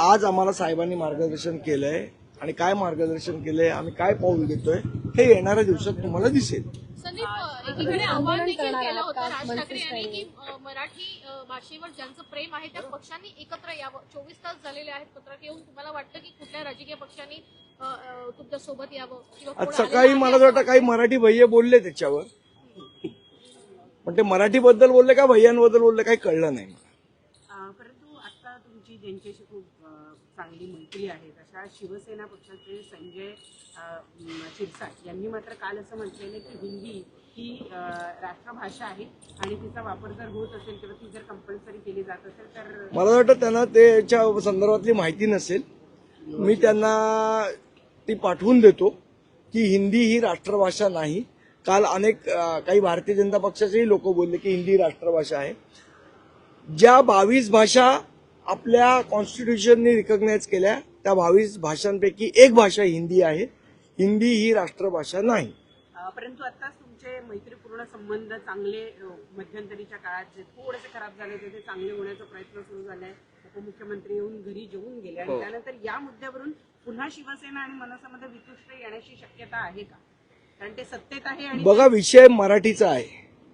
आज आम्हाला साहेबांनी मार्गदर्शन केलंय आणि काय मार्गदर्शन केलंय, आम्ही काय पाऊल घेतोय हे येणाऱ्या दिवसात तुम्हाला दिसेल. संदीप, एकीकडे आव्हान देखील केलं होतं राज ठाकरे यांनी की मराठी भाषेवर ज्यांचं प्रेम आहे त्या पक्षांनी एकत्र यावं. 24 तास झालेले आहेत पत्रक येऊन. तुम्हाला वाटतं की कुठल्या राजकीय पक्षांनी तुमच्या सोबत यावं किंवा आज सकाळी मला वाटतं काही मराठी भैया बोलले त्याच्यावर, पण ते मराठीबद्दल बोलले का भैयांबद्दल बोलले काही कळलं नाही मला. परंतु आता तुमची ज्यांच्याशी खूप चांगली मैत्री आहे अशा शिवसेना पक्षाचे संजय शिरसाट यांनी मात्र काल असं म्हटलेलं की हिंदी ही राष्ट्रभाषा आहे आणि तिचा वापर जर होत असेल किंवा ती जर कंपल्सरी केली जात असेल तर मला वाटतं त्यांना त्याच्या संदर्भातली माहिती नसेल. मी त्यांना ती पाठवून देतो की हिंदी ही राष्ट्रभाषा नाही. काल अनेक काही भारतीय जनता पक्षाचेही लोक बोलले की हिंदी राष्ट्रभाषा आहे. ज्या 22 भाषा आपल्या कॉन्स्टिट्यूशनने रिकॉग्नाइज केल्या त्या 22 भाषांपैकी एक भाषा हिंदी आहे. हिंदी ही राष्ट्रभाषा नाही. परंतु आताच तुमचे मैत्रीपूर्ण संबंध चांगले मध्यंतरीच्या काळात जे थोडेसे खराब झाले होते ते चांगले होण्याचा प्रयत्न सुरू झालाय. उपमुख्यमंत्री येऊन घरी जेवून गेले आणि त्यानंतर या मुद्द्यावरून पुन्हा शिवसेना आणि मनसेमध्ये वितुष्ट येण्याची शक्यता आहे का? कारण ते सत्तेत आहे आणि बघा, विषय मराठीचा आहे.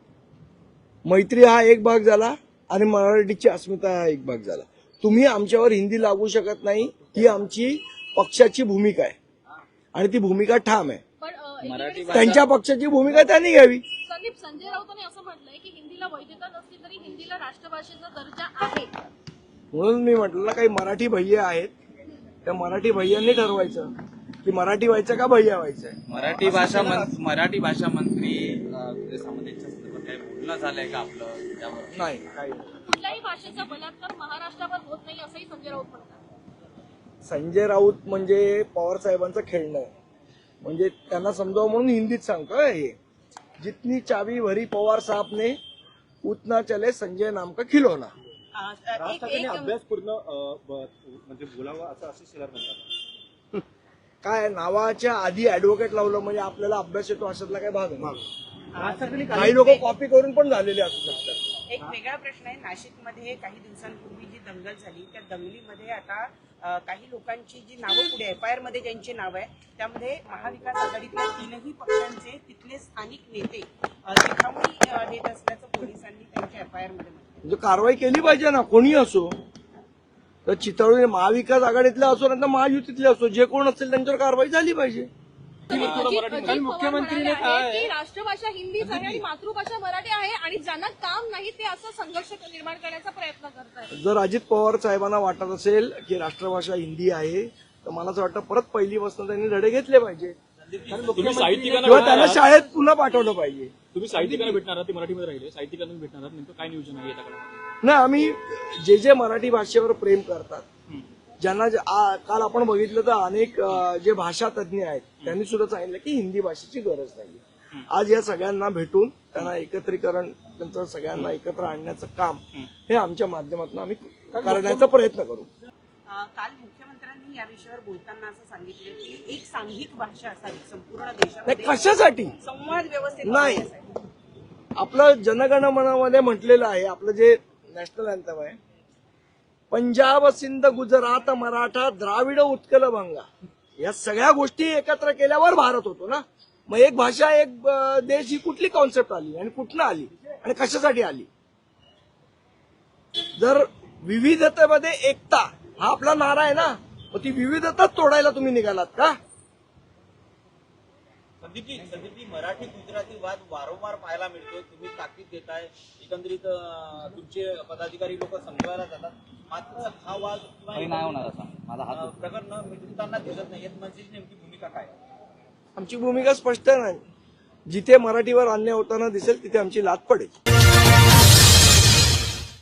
मैत्री हा एक भाग झाला आणि मराठीची अस्मिता हा एक भाग झाला. तुम्ही आमच्यावर हिंदी लागू शकत नाही, ही आमची पक्षाची भूमिका आहे आणि ती भूमिका ठाम आहे. त्यांच्या पक्षाची भूमिका त्यांनी घ्यावी. संदीप, संजय राऊतांनी असं म्हटलंय की हिंदीला वैधता नसली तरी हिंदीला राष्ट्रभाषेचा दर्जा आहे. म्हणून मी म्हटलं काही मराठी भैया आहेत, त्या मराठी भैयांनी ठरवायचं की मराठी व्हायचं का भैया व्हायचंय. मराठी भाषा मंत्री सामंतांच्या संदर्भात काही बोलणं झालंय का आपलं त्यावर? नाही, काही कुठल्याही भाषेचा बलात्कार महाराष्ट्रावर होत नाही असंही संजय राऊत म्हणतात. संजय राऊत म्हणजे पवार साहेबांचं खेळणं आहे. म्हणजे त्यांना समजावं म्हणून हिंदीत सांगतोय. हे जितनी चावी भरी पवार साहब ने उतना चले संजय नाम का खिलौना. राज ठाकरेंनी अभ्यासपूर्ण म्हणजे बोलावं असं शिलार म्हणतात. काय नावाच्या आधी ऍडव्होकेट लावलं म्हणजे आपल्याला अभ्यास येतो अशातला काय भाग आहे. काही लोक कॉपी करून पण झालेले असू शकतात. एक वेगळा प्रश्न आहे. नाशिकमध्ये काही दिवसांपूर्वी जी दंगल झाली त्या दंगलीमध्ये आता काही लोकांची जी नावं पुढे एफआयआर मध्ये ज्यांची नाव आहे त्यामध्ये महाविकास आघाडीतल्या 3ही पक्षांचे तिथले स्थानिक नेते चिथावणी देत असल्याचं पोलिसांनी त्यांच्या एफआयआर मध्ये म्हटलं. म्हणजे कारवाई केली पाहिजे ना, कोणी असो. तर चितळी महाविकास आघाडीतले असो नाही तर महायुतीतले असो, जे कोण असेल त्यांच्यावर कारवाई झाली पाहिजे. मुख्यमंत्रीने की राष्ट्रभाषा हिंदीच आहे आणि मातृभाषा मराठी आहे आणि ज्यांना काम नाही ते असं संघर्ष निर्माण करण्याचा प्रयत्न करतात. जर अजित पवार साहेबांना वाटत असेल की राष्ट्रभाषा हिंदी आहे तर मला असं वाटतं परत पहिलीपासून त्यांनी धडे घेतले पाहिजे किंवा त्यांना शाळेत पुन्हा पाठवलं पाहिजे. तुम्ही साहित्यिकांना भेटणार आहात, ते मराठीमध्ये राहिले, साहित्यिकांना भेटणार आहात, नेमकं काय नियोजन आहे याच्याकडे? नाही, आम्ही जे मराठी भाषेवर प्रेम करतात, ज्यांना काल आपण बघितलं तर अनेक जे भाषा तज्ज्ञ आहेत त्यांनी सुद्धा सांगितलं की हिंदी भाषेची गरज नाही. आज या सगळ्यांना भेटून त्यांना एकत्रीकरण, त्यांचं सगळ्यांना एकत्र आणण्याचं काम हे आमच्या माध्यमातून आम्ही करण्याचा प्रयत्न करू. काल मुख्यमंत्र्यांनी या विषयावर बोलताना असं सांगितलं की एक सांघिक भाषा असावी संपूर्ण देशामध्ये. कशासाठी? संवाद व्यवस्थित नाही, आपलं जनगणमनामध्ये म्हटलेलं आहे, आपलं जे नॅशनल अँथम आहे, पंजाब सिंध गुजरात मराठा द्राविड उत्कल बंगा, या सगळ्या गोष्टी एकत्र केल्यावर भारत होतो ना. मग एक भाषा एक देश ही कुठली कॉन्सेप्ट आली आणि कुठनं आली आणि कशासाठी आली? जर विविधतेमध्ये एकता हा आपला नारा आहे ना, मग ती विविधताच तोडायला तुम्ही निघालात का? संदीपजी, मराठी गुजराती वाद वारंवार पाहायला मिळतोय. तुम्ही ताकीद देताय, एकंदरीत तुमचे पदाधिकारी लोक समजवायला जातात, मात्र हा वाद नाही होणार असा प्रकरण मिटवताना दिसत नाही. यात म्हणजे नेमकी भूमिका काय? आमची भूमिका स्पष्ट नाही. जिथे मराठीवर अन्याय होताना दिसेल तिथे आमची लात पडेल.